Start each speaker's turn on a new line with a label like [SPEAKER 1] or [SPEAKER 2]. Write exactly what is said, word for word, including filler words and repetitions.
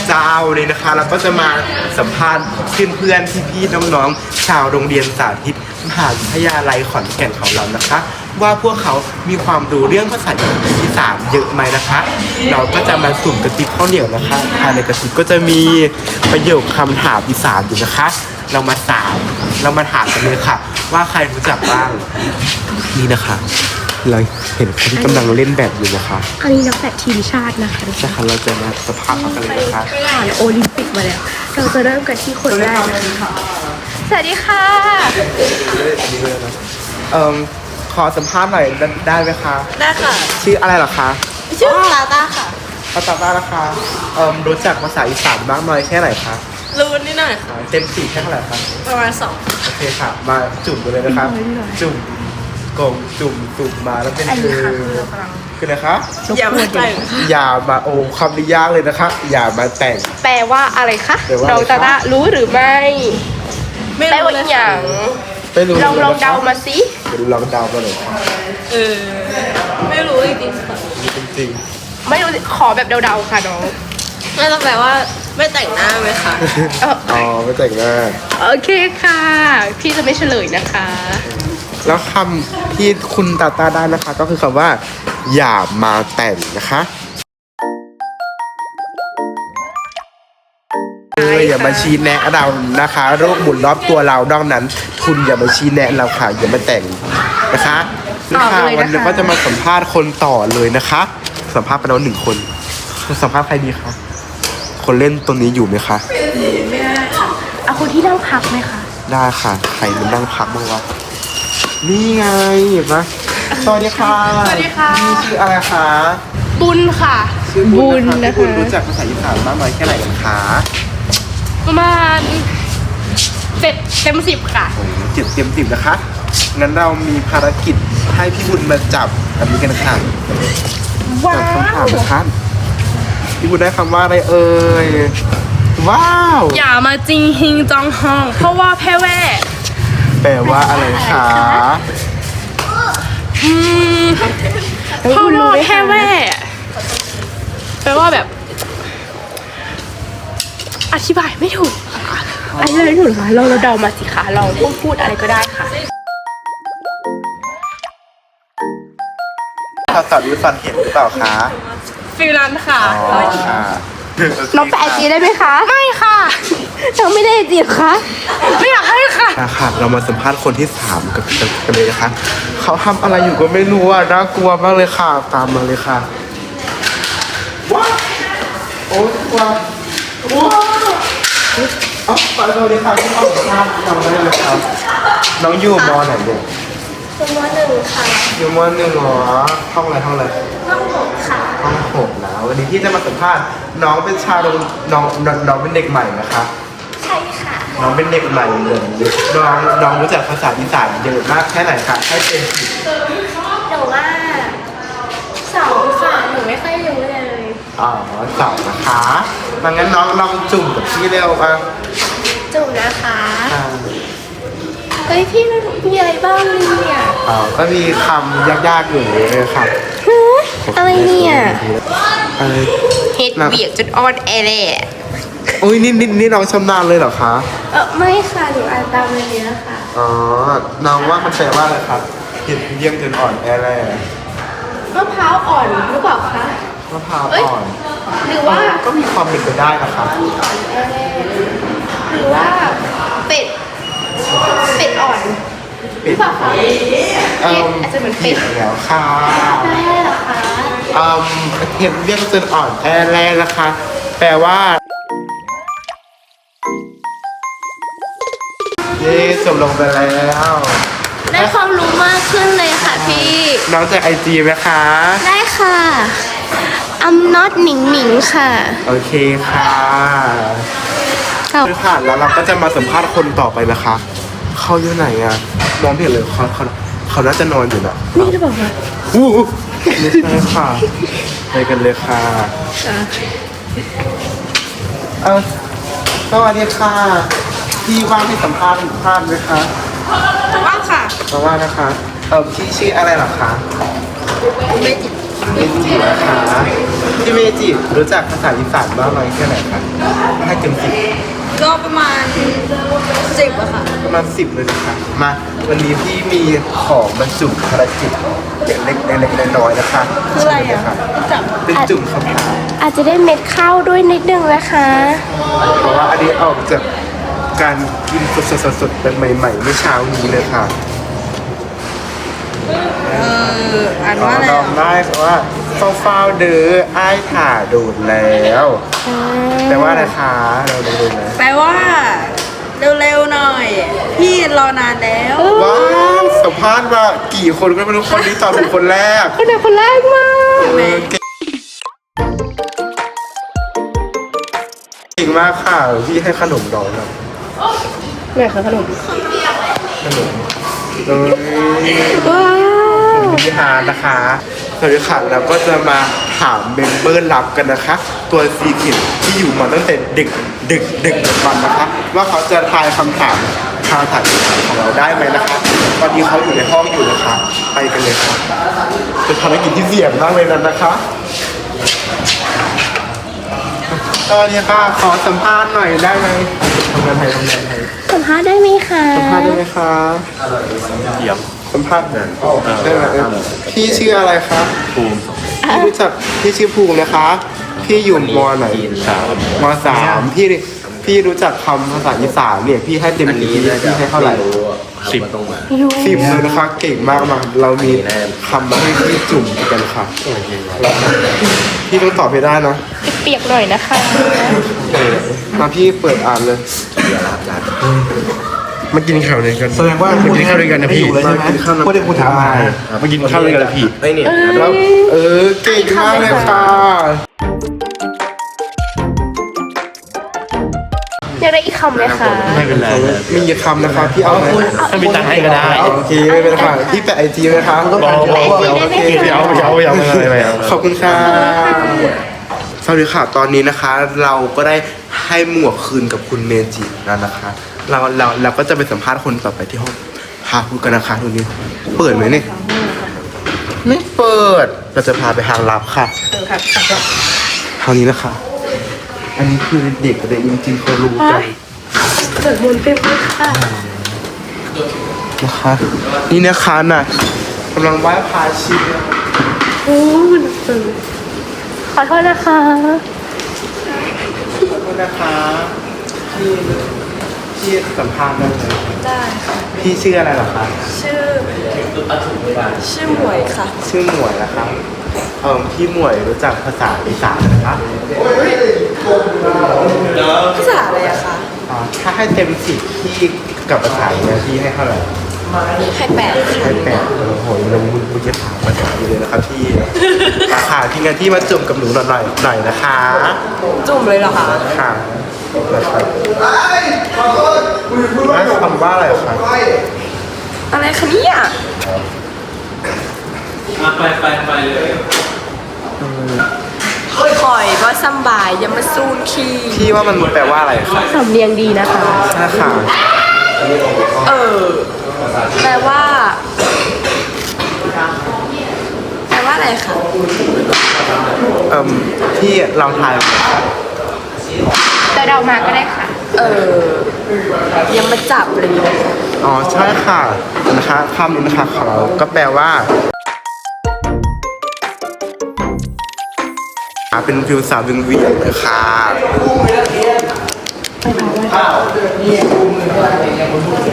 [SPEAKER 1] เจ้าเลยนะคะเราก็จะมาสัมภาษณ์เพื่อนๆพี่ๆน้องๆชาวโรงเรียนสาธิตมหาวิทยาลัยขอนแก่นของเรานะคะ ว่าพวกเขามีความรู้เรื่องภาษาอีสานเยอะไหมนะคะ เราก็จะมาสุ่มกระติบข้าวเหนียวนะคะภายในกระติบก็จะมีประโยคคำถามอีสานอยู่นะคะ เรามาถามเรามาถามกันเลยค่ะ ว่าใครรู้จักบ้างนี่นะคะเราเห็นคนที่กำลังเล่นแบบอยู่นะคะ
[SPEAKER 2] อันนี้นักแบดทีมชาตินะคะ
[SPEAKER 1] ใช่ค่ะเราจะมาสภาพเขากันเลยนะคะ
[SPEAKER 2] ผ่านโอลิมปิกมาแล้ว เราจะเริ่มกันที่คนแรกนะคะสวัสดีค่ะ
[SPEAKER 1] เอ่อขอสัมภาษณ์หน่อยได้ไหมคะ
[SPEAKER 2] ได้ค่ะ
[SPEAKER 1] ชื่ออะไรเหรอคะ
[SPEAKER 2] ชื่อลาต้าค่ะ
[SPEAKER 1] ภาษาบ้านนะคะเอ่อรู้จักภาษาอีสานบ้างน้อยแค่ไหนคะ
[SPEAKER 2] รู้นิดหน่อยค่ะ
[SPEAKER 1] เต็มสี่แค่เท่าไหร่คะ
[SPEAKER 2] ประมาณสอง
[SPEAKER 1] โอเคค่ะ มาจุ่มกันเลยนะคะ
[SPEAKER 2] นิดหน่อย
[SPEAKER 1] จุ่มกงจุ่มจุ่มมาแล้วเป็น
[SPEAKER 2] อัน
[SPEAKER 1] คื
[SPEAKER 2] นี้
[SPEAKER 1] อ
[SPEAKER 2] ค่ะคือเรากำลัง
[SPEAKER 1] คืออะไรคะ
[SPEAKER 2] อย่ามาแต่ง
[SPEAKER 1] อย่ามาโอ้คำนี้ยากเลยนะคะ อย่ามาแต่ง
[SPEAKER 2] แปลว่าอะไรคะ
[SPEAKER 1] แปลว่าอะไรคะ
[SPEAKER 2] น้องตาตารู้หรือไม่
[SPEAKER 3] ไม่
[SPEAKER 2] แปล
[SPEAKER 3] รู้
[SPEAKER 2] ว่า
[SPEAKER 3] เลย
[SPEAKER 2] อย่าง
[SPEAKER 1] ไม่รู้
[SPEAKER 2] ลองลองเดามาสิ
[SPEAKER 1] เดี๋ยวลองเดามาเลยค่ะ
[SPEAKER 3] เออไม่รู้จริงๆค่ะ
[SPEAKER 1] จริง
[SPEAKER 2] ไม่รู้ขอแบบเดาๆค่ะน้อง
[SPEAKER 3] น่าจะแปลว่าไม่แต่งหน้าไหมคะ
[SPEAKER 2] เอ่อ
[SPEAKER 1] ๆอ๋อไม่แต่งหน้า
[SPEAKER 2] โอเคค่ะ พี่จะไม่เฉลยนะคะ
[SPEAKER 1] แล้วคำที่คุณตาตาได้นะคะ ก็คือคำว่า อย่ามาแต่งนะคะเอออย่ามาชี้แนะเรานะคะโรคหมุนรอบตัวเราดังนั้น คุณอย่ามาชี้แนะเราค่ะอย่ามาแต่งนะคะนี่ค่ะ
[SPEAKER 2] ต่อเลยนะคะ
[SPEAKER 1] วันนี้ก็จะมาสัมภาษณ์คนต่อเลยนะคะ สัมภาษณ์ไปแล้วหนึ่งคนสัมภาษณ์ใครดีคะคนเล่นตัวนี้อยู่ไหมคะ
[SPEAKER 2] เอาคนที่นั่งพักไหมคะ
[SPEAKER 1] ได้ค่ะ ใครมันนั่งพักบ้างวะนี่ไงเห็นไหมสวัสดีค่ะ
[SPEAKER 2] สวัสดีค่ะ
[SPEAKER 1] นี่ชื่ออะไรคะ
[SPEAKER 2] บุญค่ะ
[SPEAKER 1] ชื่อบุญนะ
[SPEAKER 2] นะคะ คะ
[SPEAKER 1] คุณรู้จักภาษาอีสานมากน้อยแค่ไหนกันคะ
[SPEAKER 2] ประมาณเจ็ดเต็มสิบค่ะ
[SPEAKER 1] โอ้โหเจ็ดเต็มสิบนะคะ งั้นเรามีภารกิจให้พี่บุญมาจับแบบนี้กันค่ะ
[SPEAKER 2] ว้า
[SPEAKER 1] จับคำถาม
[SPEAKER 2] ว
[SPEAKER 1] นะคะพี่บุญได้คำว่าอะไรเอ่ย ว้าว
[SPEAKER 2] อย่ามาจริงฮิงจองฮอง เพราะว่าแพ้แว่
[SPEAKER 1] แปลว่าอะไรคะ
[SPEAKER 2] อืมเพราะว่าแพ้แว่แปลว่าแบบ อธิบายไม่ถูกค่ะอธิบายไม่ถูกค่ะเราเราเดามาสิคะเราพูดพูดอะไรก็ได้ค่ะ
[SPEAKER 1] ภาษาวิสันเห็นหรือเปล่าคะ
[SPEAKER 2] ฟิลนั้นค่ะ
[SPEAKER 1] อ๋อค่ะ
[SPEAKER 2] น้องแปะไอจีได้ไหมคะ ไม่ค่ะน้องไม่ได้ไอจีคะไม่อยากให้ค่ะ
[SPEAKER 1] ค่ะ เรามาสัมภาษณ์คนที่สามกับกันเลยนะคะ เขาทำอะไรอยู่ก็ไม่รู้อ่ะ น่ากลัวมากเลยค่ะ ตามมาเลยค่ะ ว้าวโอ้ยกลัวว้าวเอ๋อไปเลยค่ะที่เอาภาพทำได้เลยครับ น้องอยู่มอไหนเนี่ย
[SPEAKER 2] ตัวมหนึ่งค่ะ
[SPEAKER 1] อยู่มอหนึ่งเหรอ ห้องอะไรห้องอะไร
[SPEAKER 2] ห้องหกค่ะ
[SPEAKER 1] ห้องหกนะวันนี้ที่จะมาสัมภาษณ์น้องเป็นชาวโรงน้องน้องน้องเป็นเด็กใหม่นะคะ
[SPEAKER 2] ใช่ค่ะ
[SPEAKER 1] น้องเป็นเด็กใหม่เหมือนน้องน้องรู้จักภาษาอีสานเยอะมากแค่ไหนคะให้เป็นสิบ
[SPEAKER 2] หนูว่าสองค่ะหนูไม่ค่อยรู้เลย
[SPEAKER 1] อ๋อสองนะคะมางั้นน้องลองจุ่มกับพี่เร็วอ่ะ
[SPEAKER 2] จุ่มนะคะ
[SPEAKER 1] อ่า
[SPEAKER 2] เฮ้ยพี่มีอะไรบ้างเนี่ย
[SPEAKER 1] อ๋อก็มีคำยากๆอยู่เลยค่ะ
[SPEAKER 2] อะไรเนี่ย
[SPEAKER 1] อะไร
[SPEAKER 2] เฮ็ดเบียกจนอ่อนแอเลย
[SPEAKER 1] โอ้ยนี่นี่นี่น้องชำนาญเลยเหรอคะ
[SPEAKER 2] เออไม่ค่ะหนูอ่านตามเลยเนี้ยค่ะ
[SPEAKER 1] อ๋อน้องว่ามันแปลว่าอะไรครับเห็นเยี่ยมจนอ่อนแอแร่
[SPEAKER 2] มะพร้าวอ่อนหรือเปล่าคะ
[SPEAKER 1] มะพร้าว
[SPEAKER 2] เอ้ย
[SPEAKER 1] อ่อน
[SPEAKER 2] หรือว่า
[SPEAKER 1] ก็มีความเป็นไปได้นะครับ
[SPEAKER 2] หรือว่าเป็ด เป็ดอ่อนหรือเปล่าคะ
[SPEAKER 1] เอิ่ม
[SPEAKER 2] อาจจะเหมือนเป็
[SPEAKER 1] ผิ
[SPEAKER 2] ด
[SPEAKER 1] ดแล้วค่ะ
[SPEAKER 2] ได้เหรอคะ
[SPEAKER 1] อืมเห็นเรียกจนอ่อนแอแรกนะคะ แปลว่า เย้จบลงไปแล้ว
[SPEAKER 2] ได้ความรู้มากขึ้นเลยค่ะพี่
[SPEAKER 1] น้องจากไอจีไหมคะ
[SPEAKER 2] ได้ค่ะ I'm not หนิงหนิงค่ะ
[SPEAKER 1] โอเคค่ะ
[SPEAKER 2] ครับ
[SPEAKER 1] คือค่ะแล้วเราก็จะมาสัมภาษณ์คนต่อไปนะคะ เขาอยู่ไหนอ่ะมองไม่เห็นเลยเขาเขาเขาน่าจะนอนอยู่นะ
[SPEAKER 2] นี่หรือเปล่าคะ
[SPEAKER 1] อู้หูไม่ใช่ค่ะไปกันเลยค่ะ เออสวัสดีค่ะ พี่ว่างให้สัมภาษณ์สัมภาษณ์ไหมคะ
[SPEAKER 3] ว่างค่ะ
[SPEAKER 1] เพราะว่านะคะ เออพี่ชื่ออะไรเหรอคะ
[SPEAKER 3] เมจิ
[SPEAKER 1] เเมจินะคะพี่เมจิรู้จักภาษาอีสานบ้างไหมแค่ไหนคะให้เต็มสิบ
[SPEAKER 3] ก็ประมาณสิบอะค่ะ
[SPEAKER 1] ประมาณสิบเลยนะคะมาวันนี้พี่มีของบรรจุภารกิจเล็กๆเล็กๆน้อยๆนะคะ
[SPEAKER 3] คืออะไรอะ
[SPEAKER 1] เชิญเลย
[SPEAKER 3] จับ
[SPEAKER 1] เป็นจุ่มคำถาม
[SPEAKER 2] อาจจะได้เม็ดข้าวด้วยนิดนึงนะคะ
[SPEAKER 1] เพราะว่าอันนี้ออกจากการกินสดๆๆเป็นใหม่ๆเมื่อเช้านี้เลยค่ะ
[SPEAKER 3] เอออ่าน
[SPEAKER 1] ขอ
[SPEAKER 3] ว่าอะไร
[SPEAKER 1] ลอ
[SPEAKER 3] อะ
[SPEAKER 1] งได้เพราะว่าเฝ้าๆเด้ออ้ายถ่าโดดแล้วแต่ว่าอะไรคะเราดูๆนะ
[SPEAKER 3] แปลว่า เร็วๆหน่อย พี่รอนานแล้ว
[SPEAKER 1] ว้าวสัมภาษณ์มากี่คนก็ไม่รู้คนนี้ตอบถูกคนแรก
[SPEAKER 2] คนไหนคนแรกมา
[SPEAKER 1] เออเก่งเก่งมากค่ะพี่ให้ขนมน้องครับ
[SPEAKER 2] ไหนคะขนม
[SPEAKER 1] ขนมเอ้ย
[SPEAKER 2] ว้าว
[SPEAKER 1] พี่ฮาร์ดนะคะสวัสดีค่ะเราก็จะมาถามเมมเบอร์ลับกันนะคะ ตัวซีคิดที่อยู่มาตั้งแต่เด็กเด็กเด็กวันนะคะ ว่าเขาจะทายคำถามทางถ่ายของเราได้ไหมนะคะ ตอนนี้เขาอยู่ในห้องอยู่นะคะ ไปกันเลยค่ะเป็นภารกิจที่เสี่ยงมากเลยนั้นนะคะสวัสดีค่ะขอสัมภาษณ์หน่อยได้ไหมทำงานไทยทำงานไทย
[SPEAKER 2] สัมภาษณ์ได้ไหมคะ
[SPEAKER 1] สัมภาษณ์ได้ไหมคะ
[SPEAKER 4] เยี่ยม
[SPEAKER 1] สัมภาษณ์ได้ไหมเออพี่ชื่ออะไรคะ
[SPEAKER 4] ภูมิ
[SPEAKER 1] พี่รู้จักพี่ชื่อภูมินะคะ พี่อยู่มอไหน
[SPEAKER 4] สาม
[SPEAKER 1] มสามพี่พี่รู้จักคำภาษาอีสานเนี่ยพี่ให้เต็มที่พี่ให้เท่าไหร่
[SPEAKER 4] สิบ
[SPEAKER 2] ยู
[SPEAKER 1] สิบเลยนะคะ เก่งมากมากเรามีคำมาให้พี่จุ่มกันค่ะพี่ต้องตอบให้ได้นะ
[SPEAKER 2] เปียกๆหน่อยนะคะ
[SPEAKER 1] เออมาพี่เปิดอ่านเลยมากินข้าวด้วยกัน
[SPEAKER 4] แสดงว่า
[SPEAKER 1] มากินข้าวด้วยกันนะพี่
[SPEAKER 4] มากินข้าว
[SPEAKER 1] พูดได้คุณถามมา
[SPEAKER 4] มากินข้าวด้วยกันเลยพี่
[SPEAKER 5] ไอ้เนี่ย
[SPEAKER 1] แล้วเออเก่งมากเลยค่ะ
[SPEAKER 2] อยากได้อีกคำไหมคะ
[SPEAKER 4] ไม่เป็นไร
[SPEAKER 1] มีกี่คำนะคะพี่เอาไหม
[SPEAKER 4] ถ้ามีตังค์ให้ก็ได้
[SPEAKER 1] โอเคไม่เป็นไรค่ะพี่แปะไอจีไหมคะ
[SPEAKER 4] บอกบอกบอก
[SPEAKER 1] โอเค
[SPEAKER 4] ไม่เอาไม่เอาไม่เอาไม่เอาไม่เอา
[SPEAKER 1] ขอบคุณค่ะสวัสดีค่ะตอนนี้นะคะ เราก็ได้ให้หมวกคืนกับคุณเมจิแล้วนะคะ เราเราเราก็จะไปสัมภาษณ์คนต่อไปที่ห้องพาพูดกันนะคะทุกนี้เปิดไหมเนี่ยไม่เปิดเราจะพาไปทางลับค่ะทางนี้นะคะ อันนี้คือเด็กกับเด็กจริงๆเขารู้กัน
[SPEAKER 2] เปิดมนต์เต็มเลยค่ะ
[SPEAKER 1] นะคะ นี่นะคะน่ะกำลังไหว้พระชี
[SPEAKER 2] โอ้หนักจังขอโทษนะคะ
[SPEAKER 1] ขอบคุณนะคะพี่พี่สัมภาษณ์ได้ไหม
[SPEAKER 3] ได้ค่ะ
[SPEAKER 1] พี่ชื่ออะไรเหรอคะ
[SPEAKER 3] ชื่อ ชื่อหมวยค่ะ
[SPEAKER 1] ชื่อหมวยนะคะเออพี่หมวยรู้จักภาษาอีสานนะคะ
[SPEAKER 3] ภาษาอะไรอะคะ
[SPEAKER 1] อ่าถ้าให้เต็มสิบพี่กับภาษาเนี่ยพี่ให้เท่าไหร่
[SPEAKER 3] ให้แปดค่ะ
[SPEAKER 1] ให้แปดโอ้โหเรามึงมึงจะถามภาษาอยู่เลยนะครับพี่ราคาที่งั้นที่มาจุ่มกับหนูหน่อยหน่อยนะคะ
[SPEAKER 3] จุ่มเลยเหรอคะ
[SPEAKER 1] ค่ะนะครับนั่นคำว่าอะไรคะ
[SPEAKER 3] อะไรคะเนี่ย
[SPEAKER 4] ไปไปไปเลย
[SPEAKER 3] คอยว่าซัมบายยามาซูนคี
[SPEAKER 1] พี่ว่ามันแปลว่าอะไรคะ
[SPEAKER 2] สำเนียงดีนะคะ
[SPEAKER 1] ใช่ค่ะ
[SPEAKER 3] เออ แปลว่า แปลว่าอะไรคะ
[SPEAKER 1] เอ่มพี่เราทาย
[SPEAKER 2] แต่เรามาก็ได้ค่ะ
[SPEAKER 3] เออ ยังมาจับเลย
[SPEAKER 1] อ๋อใช่ค่ะนะคะคำนี้นะคะของเราก็แปลว่าเป็นฟิวสาววิงเวียนเลยค่ะ